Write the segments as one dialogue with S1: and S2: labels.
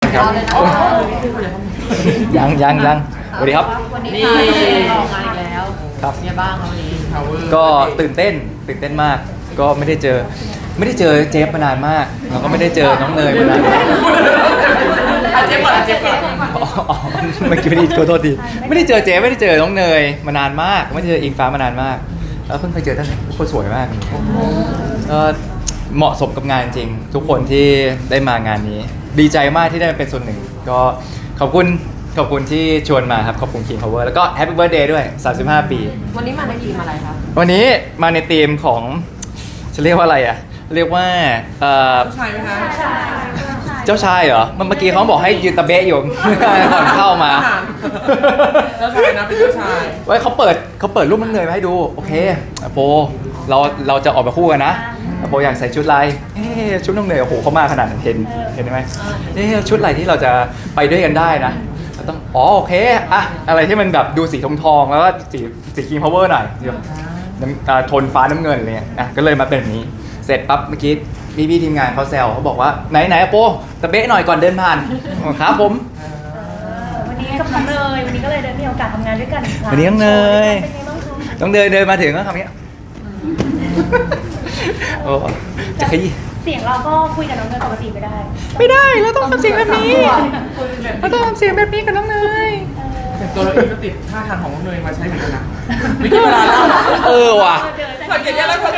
S1: ครับยังสวัสดีครับ
S2: วันนี้ออกงานอีกแล้ว
S1: ครับ
S2: เนี่ยบ้างวันนี้
S1: ก็ตื่นเต้นมาก ก็ไม่ได้เจอเจฟมานานมากแล้วก็ไม่ได้เจอน้องเนยมานาน
S2: เจ็บก่อน
S1: อ๋อเมื่อกี้ไม่ได้ขอโทษทีไม่ได้เจอเจฟไม่ได้เจอน้องเนยมานานมากไม่ได้เจออิงฟ้ามานานมากแล้วเพิ่งเคยเจอท่านคนสวยมากก็เหมาะสมกับงานจริงทุกคนที่ได้มางานนี้ ดีใจมากที่ได้เป็นส่วนหนึ่งก็ขอบคุณที่ชวนมาครับขอบคุณ King Power แล้วก็ Happy Birthday ด้วย35 ปี
S2: วันนี้มาในทีมอะไรคะ
S1: วันนี้มาในธีมของจะเรียกว่าอะไรอ่ะเรียกว่า
S2: ใช่ไหมคะ
S1: เจ้าชายเหรอเมื่อกี้เขาบอกให้ยืนตะเบะอยู่ ก่อนเข้ามา
S2: เจ้าชายนะเป็นเจ้าชาย
S1: ไว้เขาเปิดรูปน้องเนยมาให้ดูโอเคโปเราจะออกมาคู่กันนะโปอยากใส่ชุดลายชุดน้องเนยโอ้โหเขามาขนาดนั้นเห็นไหมชุดอะไรที่เราจะไปด้วยกันได้นะต้องโอเคอะอะไรที่มันแบบดูสีทองแล้วก็สีKing Power หน่อยโทนฟ้าน้ำเงินอะไรเงี้ยนะก็เลยมาเป็นแบบนี้เสร็จปั๊บเมื่อกี้พี่ทีมงานเขาแซวเขาบอกว่าไหนโปตะเบะหน่อยก่อนเดินผ่านครับผม
S3: วันนี้กับน้องเนยวันนี้ก็เลยได้มีโอกาสทำงานด้วยกันอีกครั้ง
S1: วันนี้น้องเนย
S3: เป็นไงบ้างคะ
S1: ต้องเดินมาถึงก็ทำนี้โอ้จะขยี้
S3: เสียงเราก็คุยกับน้องเนยปกติไม่ได้
S1: ไม่ได้เราต้องทำเสียงแบบนี้เราต้องทำเสียงแบบนี้กับน้องเนย
S2: แต่ตัวเราเองก็ติดท่าทางของน้องเนยมาใช้เหมือนกันนะไม่กี่เวลาแล้ว
S1: ว่ะ
S2: สังเกตยังแล้วคน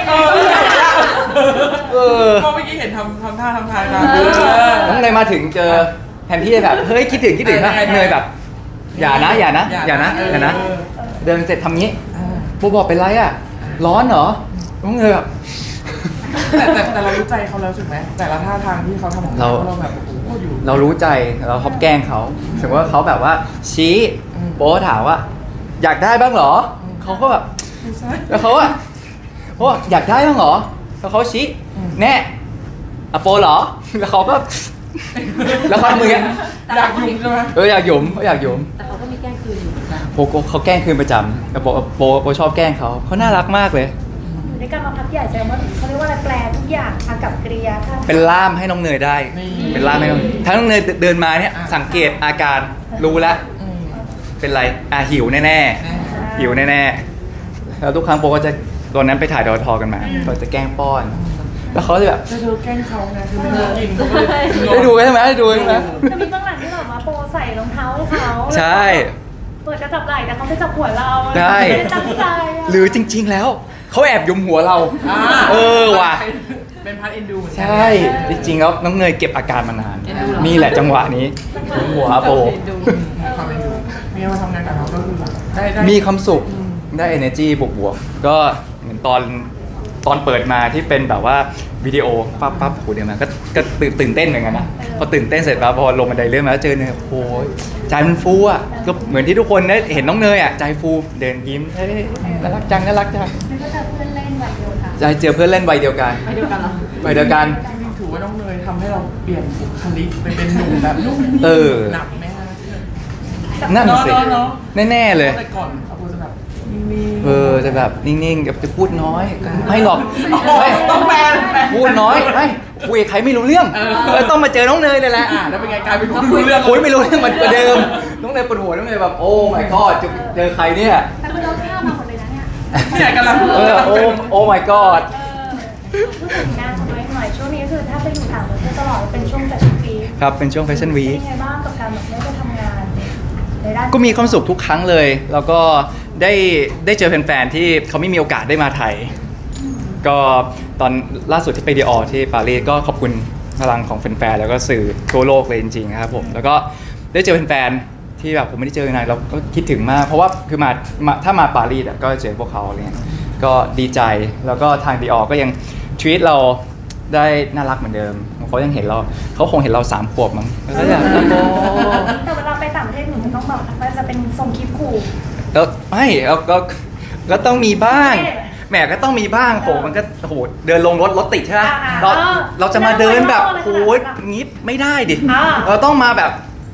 S2: ก็เมื่อกี้เห็นทำท่าทางนะ
S1: น้องเนยมาถึงเจอแทนที่จะแบบเฮ้ยคิดถึงนะเนยแบบอย่านะเดินเสร็จทำงี้โบบอกเป็นไรอ่ะร้อนเหรอน้องเนยแบบ
S2: แต่เรารู้ใจเขาแล้วถูกไหมแต่ละท่าทางที่เขาทำของเราแบบโอ้โหอยู่
S1: เรารู้ใจเราชอบแกล้งเขาถึงว่าเขาแบบว่าชี้โป๊ถามว่าอยากได้บ้างเหรอเขาก็แบบแล้วเขาอะโป๊อยากได้บ้างเหรอแล้วเขาชี้แน่อะโปเหรอแล้วเขาก็แล้วเขามือ
S2: อยากยุ่มใช่ไหม
S1: อยากหยุมเขาอยากหยุม
S2: แต่เขาก็มีแกล้งคืนอยู่
S1: โปเขาแกล้งคืนประจำแต่โปชอบแกล้งเขาน่ารักมากเลย
S3: อยู่ด้วยกันมาพักใหญ่แซวว่าเขาเรียกว่าอะไรแปลทุกอย่างอากับกริยาท่าทาง
S1: เป็นล่ามให้น้องเนยได้เป็นล่ามให้น้องทั้งน้องเนยเดินมาเนี่ยสังเกตอาการรู้แล้วเป็นไรหิวแน่หิวแน่แล้วทุกครั้งโปก็จะตอนนั้นไปถ่ายดอทอกันมาก็จะแกล้งป้อนแล้วเขาจะแบบ
S2: จะดูแกล้งเขาไงคือไม่ได้กินเขาก็เลย
S1: ได้ดูใช่ไหมได้ดูใช่ไหม
S3: จะมีบางหลังที่แบบว่าโปใส่รองเท้าให้เขา
S1: ใช่
S3: เปิดกระจับไหล่แต่เขาไปจับหัวเรา
S1: ใช่
S3: ไม่ได้ตั้งใจ
S1: หรือจริงๆแล้วเขาแอบยุมหัวเราว่ะ
S2: เป็นพาร์ทเอ็นดู
S1: ใช่จริงๆแล้วน้องเนยเก็บอาการมานานนี่แหละจังหวะนี้ยุมหัวโป
S2: ความเอ็นดูมีมาทำงานกับเราก็คือได้
S1: มีความสุขได้ energy บวกๆก็เหมือนตอนเปิดมาที่เป็นแบบว่าวิดีโอปั๊บโหเดี๋ยวมาก็ตื่นเต้นเหมือนกันนะพอตื่นเต้นเสร็จแล้วพอลงบันไดเลื่อนมาแล้วเจอเนยโอ้ยใจมันฟูอ่ะก็เหมือนที่ทุกคนได้เห็นน้องเนยอ่ะใจฟูเดินยิ้มน่ารักจัง
S3: แล้วก็เจอเพื่อนเล่นวัยเดียวกัน
S1: ใจเจอเพื่อนเล่นวัยเดียวกัน
S2: วัยเดียวกันเหรอ
S1: วัยเดียวกัน
S2: ถือว่าน้องเนยทำให้เราเปลี่ยนบุคลิกไปเป็นหนุ่มแบบนุ่มหนักไหมฮะ
S1: นั่นสิแน่ๆเลย
S2: แต่ก่อนเขาจะแบบ
S1: จะแบบนิ่งๆจะพูดน้อยไม่หรอก
S2: ต้องแปล
S1: พูดน้อยไม่คุยกับใครไม่รู้เรื่องต้องมาเจอน้องเนยเลยแหละ
S2: แล้วเป็นไงกลายเป็นคนรู้เรื่อง
S1: คุยไม่รู้เรื่องมันกว่าเดิมน้องเนยปวดหัวน้องเนยแบบโอ้ my god เจอใครเนี่ย
S3: แต่คือเราข้ามมาหมดเลยนะเนี่ย
S2: เนี่ยกำลัง
S1: โอ้ my god
S3: พูดถึงงานของตัวเองหน่อยช่วงนี้คือถ้าไปอยู่ต่างประเทศตลอดเป็นช่วงแฟชั่นวีค
S1: ครับเป็นช่วงแฟชั่นวีค
S3: เป็นยังไงบ้างกับการแบบไม่ได้ทำงานในด้าน
S1: ก็มีความสุขทุกครั้งเลยแล้วก็ได้เจอแฟนๆที่เขาไม่มีโอกาสได้มาไทยก็ตอนล่าสุดที่ไปดีออที่ปารีสก็ขอบคุณพลังของแฟนๆแล้วก็สื่อทั่วโลกเลยจริงๆครับผมแล้วก็ได้เจอแฟนๆที่แบบผมไม่ได้เจอนานเราก็คิดถึงมากเพราะว่าคือถ้ามาปารีสก็เจอพวกเขาอะไรเงี้ยก็ดีใจแล้วก็ทางดีออก็ยังทวีตเราได้น่ารักเหมือนเดิมเขายังเห็นเราเขาคงเห็นเรา3 ขวบมั้งก็อยาก
S3: แต่เวลาไปต่างประเทศหนูมันต้องแบบมันจะเป็นทรงคลิปขู่
S1: แล้วไม่ก็ต้องมีบ้างแหมก็ต้องมีบ้างโหมันก็โหเดินลงรถติดใช่ไหมเราจะมาเดินแบบโหงี้ไม่ได้ดิเราต้องมาแบบ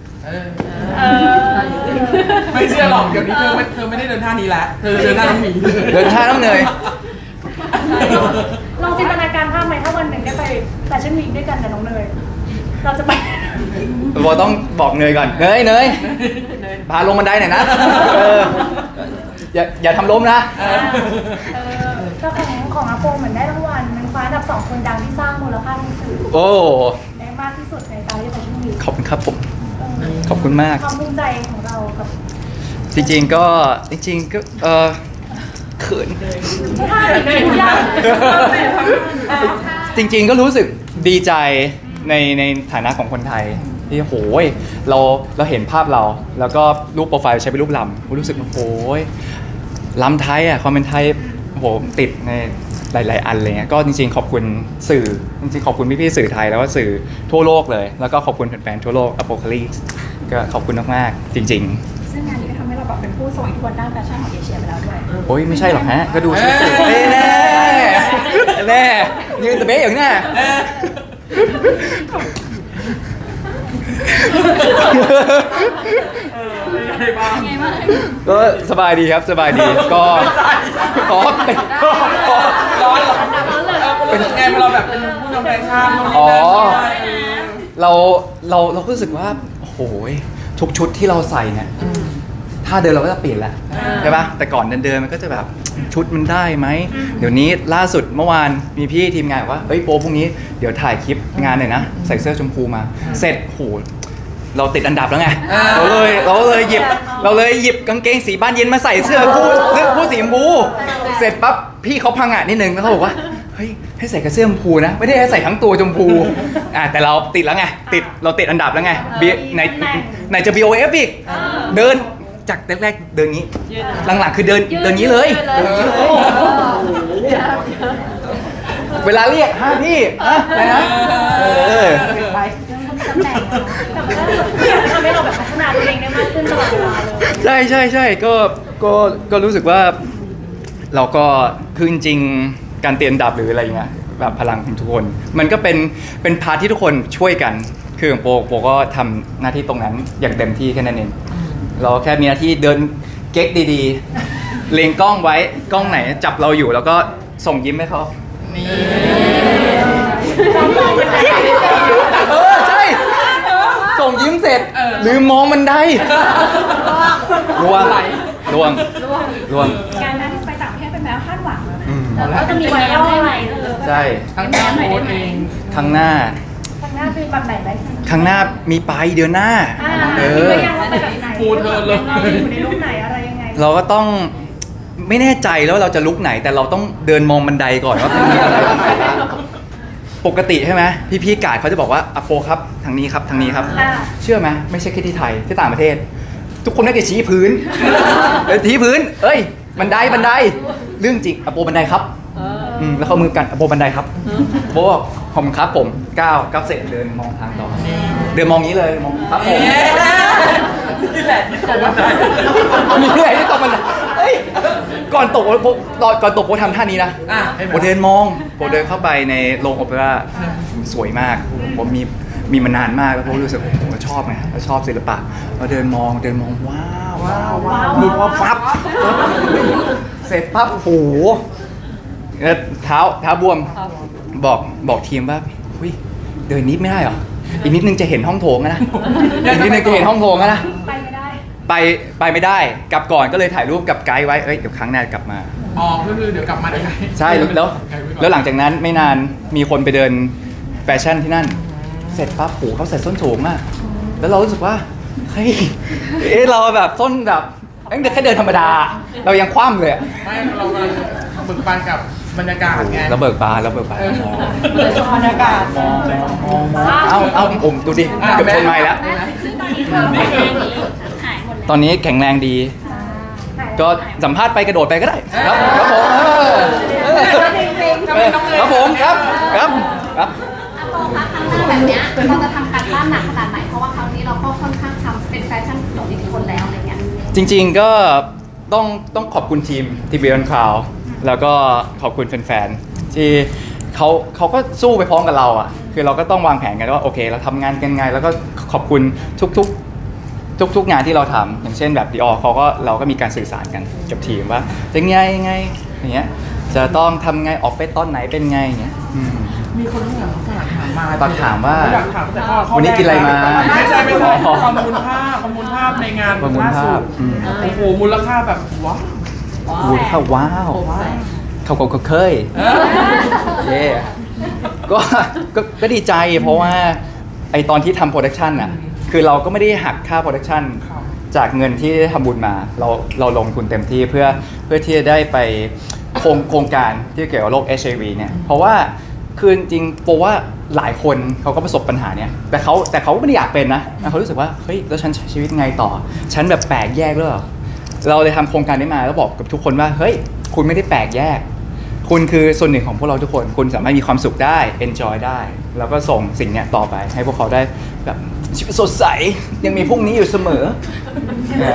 S2: ไม่เชื่อหรอกเดี๋ยวนี้เธอไม่ได้เดินท่านี้แล้วเธอเดินท่าน้องหมี
S1: เดินท่าน้องเนย
S3: ลองจินตนาการภาพไหมถ้าวันหนึ่งได้ไปแฟชั่นวีคด้วยกันกับน้องเนยเราจะไป
S1: โบต้องบอกเนยก่อนเนยพาลงบันไดหน่อยนะอย่าทำล้มนะ
S3: ก็ของอาโปเหมือนได้รางวัลมันคว้าอันดับ2คนดังที่สร้างมูลค่าทางสื่อ
S1: โอ้
S3: ได้มากที่สุดในปารีสแฟชั่นวีค
S1: ขอบคุณครับผม ขอบคุณมาก
S3: ความภูมิใจของเรากับ
S1: จริงๆก็เขิน
S3: ท่าหนึ่งในทุกอย่าง
S1: จริงๆก็รู้สึกดีใจในฐานะของคนไทยที่โหยเราเห็นภาพเรา แล้วก็รูปโปรไฟล์ใช้เป็นรูปลำรู้สึกโหยลำไทยอ่ะความเป็นไทยโหติดในหลายๆอันเลยเงี้ยก็จริงๆขอบคุณสื่อจริงๆขอบคุณพี่ๆสื่อไทยแล้วก็สื่อทั่วโลกเลย แล้วก็ขอบคุณแฟนๆทั่วโลก Apocalypse ก็ขอบคุณมากๆจริงๆ
S4: ซึ่งงานนี้ก็ทำให้เราแบบเป็นผู้ทรงอิทธิพลด้านแฟชั่นของเอเชียไปแล้วด้วย
S1: โอ้ยไม่ใช่หรอกฮะ ก็ดูสิแน่ยืนตะเบ๊ะอย่างนี้ก็สบายดีครับสบายดีก็ขอเป็น
S2: ร้อนเหรอเป็นไงเราแบบเป็นผู้นำแฟชั่นนู่นนี่
S1: อ๋อ
S2: นั่น
S1: เราก็รู้สึกว่าโอ้โหทุกชุดที่เราใส่เนี่ยถ้าเดินเราก็จะเปลี่ยนแหละใช่ปะแต่ก่อนเดินมันก็จะแบบชุดมันได้ไหมเดี๋ยวนี้ล่าสุดเมื่อวานมีพี่ทีมงานบอกว่าเอ้ยโปพรุ่งนี้เดี๋ยวถ่ายคลิปงานหน่อยนะใส่เสื้อชมพูมาเสร็จโหเราติดอันดับแล้วไงเราเลยหยิบกางเกงสีบ้านเย็นมาใส่เสื้อคู่สีชมพูเสร็จปั๊บพี่เขาพังอ่ะนิดนึงแล้วเขาบอกว่าเฮ้ยให้ใส่กระเสื้อชมพูนะไม่ได้ให้ใส่ทั้งตัวชมพูแต่เราติดแล้วไงเราติดอันดับแล้วไงไหนจะ BOF อีกเดินจากแรกๆเดินงี้หลังๆคือเดินงี้เลยเวลาเรียกพี่อะไรนะ
S3: ตำแหน่งแต่มันก็ทำให้เราแบบพัฒนาตัวเองได้มากขึ้นตลอดเวลาเลย
S1: ใช่ก็รู้สึกว่าเราก็คือจริงๆการเตียนดับหรืออะไรเงี้ยแบบพลังของทุกคนมันก็เป็นพาร์ทที่ทุกคนช่วยกันคือของโปก็ทำหน้าที่ตรงนั้นอย่างเต็มที่แค่นั้นเองเราแค่มีหน้าที่เดินเก๊กดีๆเล็งกล้องไว้กล้องไหนจับเราอยู่แล้วก็ส่งยิ้มให้เขาใช่ส่งยิ้มเสร็จลืมมองบันไดล่วง
S4: การนั้นไปต่างประเทศเป็นแมวคาดหวังแล้วนะ
S3: แล้วก็จะมีไวรัลอะไร
S1: ใช่
S2: ทั้งหน้าโพสเอง
S1: ข้างหน้า
S3: ข้างหน้าเป็นแบบไหนไหม
S1: ข้างหน้ามีไปเดือนหน้า
S3: คิดว่ายังว่าไปแบบไหน
S2: ฟูเธอเลย
S3: เราจะอยู่ในรูปไหนอะไรยังไง
S1: เราก็ต้องไม่แน่ใจแล้วเราจะลุกไหนแต่เราต้องเดินมองบันไดก่อนว่ามันมีอะไรปกติใช่ไหมพี่กาดเขาจะบอกว่าอโปครับทางนี้ครับทางนี้ครับเชื่อไหมไม่ใช่แค่ที่ไทยที่ต่างประเทศ ทุกคนน่าจะชี้พื้นชี้พื้นเอ้ยบันไดเรื่องจริงอโปบันไดครับแล้วเขามือกันอโปบันไดครับโปบอกผมครับผมก้าวเสร็จเดินมองทางต่อเดินมองนี้เลยมองครับผม
S2: นี่แหละที่ตกบันได
S1: มีที่ไหนที่ตกบันไดก่อนตกโปทำท่านี้นะโปเดินมองโปเดินเข้าไปในโรงโอเปร่าสวยมากผมมีมานานมากแล้วโปรู้สึกโอ้โหชอบไงชอบศิลปะเราเดินมองว้าวดูว่าปั๊บเสร็จปั๊บโอ้โหเท้าบวมบอกทีมว่าเดินนิดไม่ได้เหรออีกนิดนึงจะเห็นห้องโถงนะอีกนิดนึงจะเห็นห้องโถงนะ
S3: ไปไม่ได้
S1: ไปไม่ได้กลับก่อนก็เลยถ่ายรูปกับไกด์ไว้เดี๋ยวครั้งหน้ากลับมา
S2: ก็คือเดี๋ยวกลับมาได้
S1: ใช่แล้วหลังจากนั้นไม่นานมีคนไปเดินแฟชั่นที่นั่นเสร็จปั๊บเขาใส่ส้นสูงมากแล้วเรารู้สึกว่าเฮ้ยเราแบบส้นแบบแค่เดินธรรมดาเรายังคว่ำเลย
S2: ไม่เรากำลังเบิกบานกับบรรยากาศไง
S1: เราเบิกบาน
S4: บรรยากาศ
S1: เอาผมดูดิเกือบชนไม้แล้วตอนนี้แข็งแรงดีก็สัมภาษณ์ไปกระโดดไปก็ได้ครับผมครับ
S4: อาโปคะครั้งหน้าแบบเนี้ยเราจะทำการบ้านหนักขนาดไหนเพราะว่าครั้งนี้เราก็ค่อนข้างทำเป็นแฟชั่นของอิทธิพลแล้วอะไรเงี้ย
S1: จริงๆก็ต้องขอบคุณทีมทีบีออนคลาวแล้วก็ขอบคุณแฟนๆที่เขาก็สู้ไปพร้อมกับเราอ่ะคือเราก็ต้องวางแผนกันว่าโอเคเราทำงานกันไงแล้วก็ขอบคุณทุกงานที่เราทำอย่างเช่นแบบDiorเราก็มีการสื่อสารกันกับทีมว่าจะไงอย่างเงี้ยจะต้องทำไงออกไปตอนไหนเป็นไงอย่างเงี้ย
S2: มีคนที่แบบฝากถามมา
S1: ฝากถามว่า
S2: อยากถามแต่ข้อ
S1: วันนี้กินอะไรมา
S2: ไม่ใช่
S1: อ๋อ
S2: ประมูลภาพในงาน
S1: ประมูล
S2: ล่า
S1: ภา
S2: สุ
S1: พ
S2: ดโอ้โหมูลค่าแบบว้าว
S1: อูดข้าวว้าว
S2: ว้าว
S1: เขาก็เคยเย่ก็ดีใจเพราะว่าไอตอนที่ทำโปรดักชันอ่ะคือเราก็ไม่ได้หักค่าโปรดักชันจากเงินที่ทำบุญมาเราลงทุนเต็มที่เพื่อที่จะได้ไปโครงการที่เกี่ยวกับโรค HIV เนี่ยเพราะว่าคือจริงๆโปว่าหลายคนเขาก็ประสบปัญหาเนี่ยแต่เขาไม่ได้อยากเป็นนะเขารู้สึกว่าเฮ้ยแล้วฉันใช้ชีวิตไงต่อฉันแบบแปลกแยกหรือเปล่าเราเลยทำโครงการนี้มาแล้วบอกกับทุกคนว่าเฮ้ยคุณไม่ได้แปลกแยกคุณคือส่วนหนึ่งของพวกเราทุกคนคุณสามารถมีความสุขได้ enjoy ได้ แล้วก็ส่งสิ่งเนี้ยต่อไปให้พวกเขาได้แบบชีวิตสดใสยังมีพรุ่งนี้อยู่เสมอนะ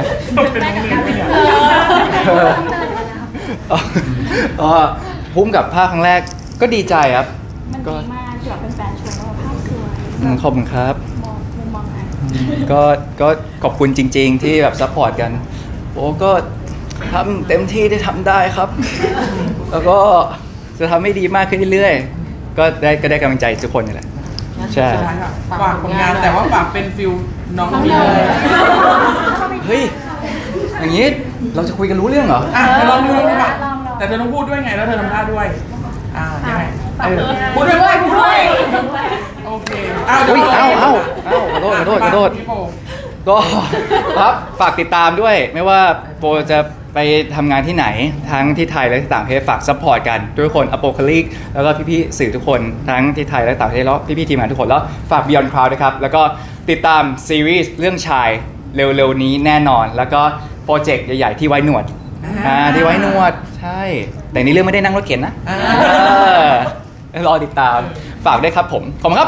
S1: พุ่มกับภาคครั้งแรกก็ดีใจครับ
S4: มัน
S1: ก็
S4: ดีมากที่แบบเป็นแฟนชมว่าภาพสวย
S1: ขอบคุณครับ
S4: มองมุมมองไหน
S1: ก็ขอบคุณจริง ๆ ที่แบบซัพพอร์ตกันโอ้ก็ทำเต็มที่ได้ทำได้ครับ แล้วก็จะทำให้ดีมากขึ้นเรื่อยๆก็ได้กำลังใจทุกคนนี่แหละใช่
S2: สุดท้ายค่ะฝากผลงานแต่ว่าฝากเป็นฟิลน้องมีเลย
S1: เฮ้ยอย่างนี้เราจะคุยกันรู้เรื่องเหรอ
S2: อ่ะเธอลองดูดีกว่าแต่เธอต้องพูดด้วยไงแล้วเธอทำท่าด้วยยังไงพูดด้วยโอเค
S1: อุ๊ยขอโทษ ก็ครับฝากติดตามด้วยไม่ว่าโปจะไปทำงานที่ไหนทั้งที่ไทยและที่ต่างประเทศฝากซัพพอร์ตกันทุกคนอโปคาลิกแล้วก็พี่ๆสื่อทุกคนทั้งที่ไทยและต่างประเทศแล้วพี่ๆทีมงานทุกคนแล้วฝาก Beyond Cloud นะครับแล้วก็ติดตามซีรีส์เรื่องชายเร็วๆนี้แน่นอนแล้วก็โปรเจกต์ใหญ่ๆที่ไว้หนวดที่ไว้หนวดใช่แต่ในเรื่องไม่ได้นั่งรถเข็นนะรอติดตามฝากด้วยครับผมขอบคุณครับ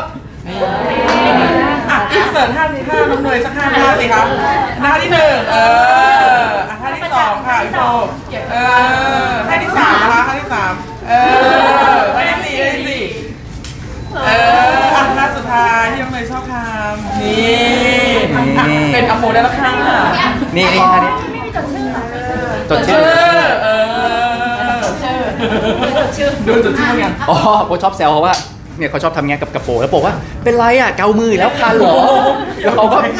S2: อินเสิร์ตท่าน้องเนยสักท่าสิครับท่าที่1ท่าที่2ค่ะพี่โบท่าที่3นะคะท่าที่3ท่าที่4ท่าสุดท้ายที่น้องเนยชอบทำนี่เป็นอโปได้แล้วค่ะ
S1: นี่ท่านี้
S3: ไม่มีจดชื่อเหรอ
S1: จดชื่อ
S2: ดูจดชื่อกัน
S1: อ๋อโปชอบแซวเขาว่าเนี่ยเขาชอบทำงานกับกระโปรงแล้วบอกว่าเป็นไรอ่ะเกามือแล้วคันเหรอแล้วเขาก็แบบ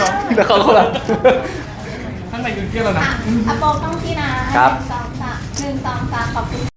S2: ข้างในยืนเที่ยวแล้วนะ
S4: อ่ะอโปต้องที่นะครับ 1 2 3 1 2 3ขอบคุณ